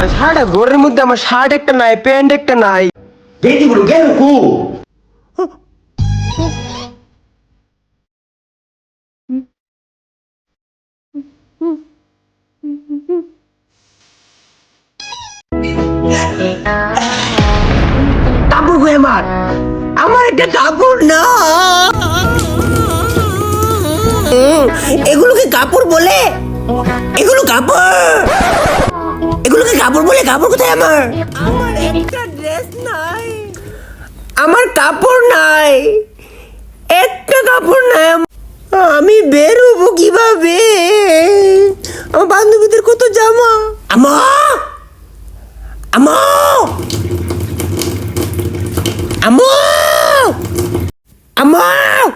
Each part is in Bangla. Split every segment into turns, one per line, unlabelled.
সারাটা ঘরের মধ্যে আমার শার্ট একটা নাই, প্যান্ট একটা নাই। গেঞ্জিগুলো গেল কু? কাপড় কই আমার? আমার একটা কাপড় না।
এগুলোকে কাপড় বলে? এগুলো কাপড়? এগুলোকে কাপড় বলে? কাপড় কোথায় আমার? আমার একটা ড্রেস নাই, আমার কাপড় নাই, একটা কাপড় নাই। আমি বের হবো কিভাবে? আমার বান্ধবীদের কত জামা। আমা আমা আমা আমা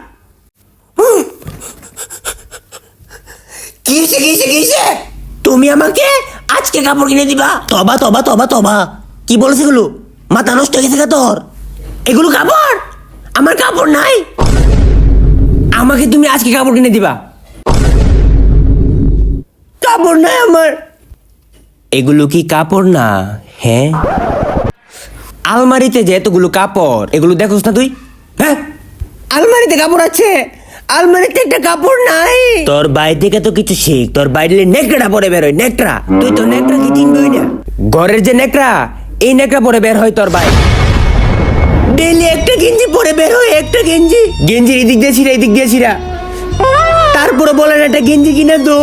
কিসে কিসে কিসে তুমি আমাকে আজকে কাপড় কিনে দিবা? তবা তবা তবা তবা, কি বলছ এগুলো? মাথা নষ্ট হয়ে গেছে তোর? এগুলো কাপড়? আমার কাপড় নাই, আমাকে তুমি আজকে কাপড় কিনে দিবা? কাপড় নাই আমার। এগুলো কি কাপড় না? হ্যাঁ, আলমারিতে যে এতগুলো কাপড়, এগুলো দেখোস না তুই? হ্যাঁ, আলমারিতে কাপড় আছে, আলমারিতে একটা কাপড় নাই। তোর বাইরে থেকে তো কিছু শিখ, তোর বাইরে নেকড়া পরে বের হয়, নেকড়া। তুই তো নেকড়া কি চিনবই না? ঘরের যে নেকড়া, এই নেকড়া পরে বের হয় তোর ভাই। ডেলি একটা গেঞ্জি পরে বের হয়, একটা গেঞ্জি, গেঞ্জি এদিক দিয়ে ছিঁড়া, এদিক দিয়ে ছিঁড়া, তারপরে বলেন একটা গেঞ্জি কিনে দো।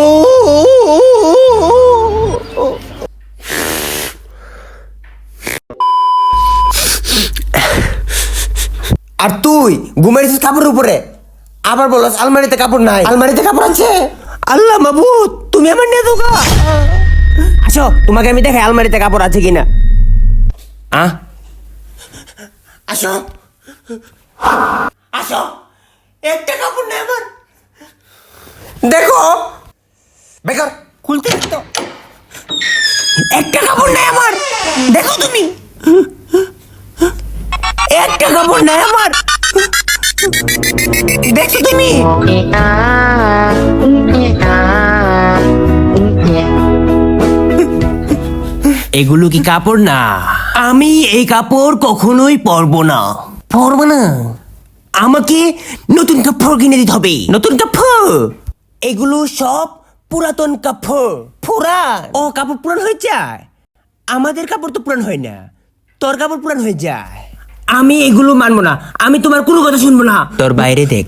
আর তুই ঘুমাইছিস কাপড়ের উপরে, আবার বলস আলমারিতে কাপড় নাই। আলমারিতে কাপড় আছে? আল্লাহ মাবুদ, তুমি আমার নিয়ে দোকা। আসো, তোমাকে আমি দেখাই আলমারিতে কাপড় আছে কিনা। আসো আসো, একটা কাপড় নেই আমার। দেখো বেকার, খুলতে তো একটা কাপড় নেই আমার। দেখো তুমি, একটা কাপড় নেই আমার। দেখো তুমি, এগুলো কি কাপড় না? আমি এই কাপড় কখনোই পরবো না, পরবো না। আমাকে নতুন কাপড় কিনে দিতে হবে, নতুন কাপড়। এগুলো সব পুরাতন কাপড়, পুরান। ও, কাপড় পুরান হয়ে যায়? আমাদের কাপড় তো পুরান হয় না, তোর কাপড় পুরান হয়ে যায়। আমি এগুলো মানবো না, আমি তোমার কোনো কথা শুনবো না। তোর বাইরে দেখ,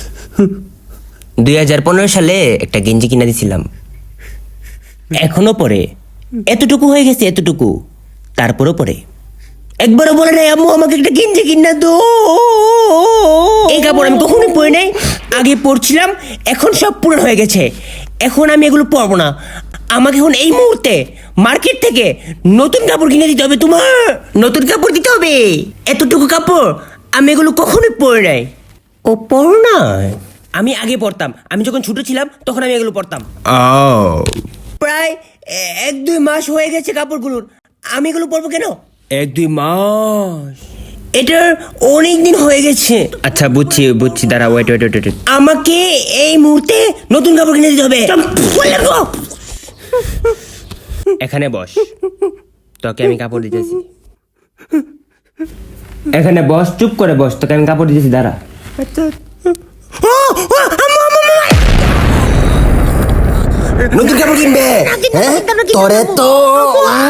2015 সালে একটা গেঞ্জি কিনে দিছিলাম, এখনো পরে। এতটুকু হয়ে গেছে, এতটুকু, তারপরও পরে। একবারও বলে নাই আম্মু আমাকে একটা গেঞ্জি কিনা দো। এই কাপড় আমি কখনোই পরে নাই, আগে পরছিলাম, এখন সব পুরান হয়ে গেছে, এখন আমি এগুলো পরবো না। আমাকে এখন এই মুহূর্তে মার্কেট থেকে নতুন কাপড় কিনে দিতে হবে, তোমার নতুন কাপড় দিতে হবে। এতটুকু কাপড় আমি এগুলো কখনোই পরে নাই। ও, পরো না? আমি আগে পরতাম, আমি যখন ছোট ছিলাম তখন আমি এগুলো পরতাম। প্রায় 1-2 মাস হয়ে গেছে কাপড়গুলোর, আমি এগুলো পরবো কেন? 1-2 মাস, এটার অনেক দিন হয়ে গেছে। আচ্ছা, বুঝছি বুঝছি, দাঁড়া, ওয়েট ওয়েট ওয়েট। আমাকে এই মুহূর্তে নতুন কাপড় কিনে দিতে হবে। এখানে বস, তোকে আমি কাপড় দিতেছি। এখানে বস, চুপ করে বস, তোকে আমি কাপড় দিতেছি, দাঁড়া। নতুন কাপড় কিনবে? তোরে তো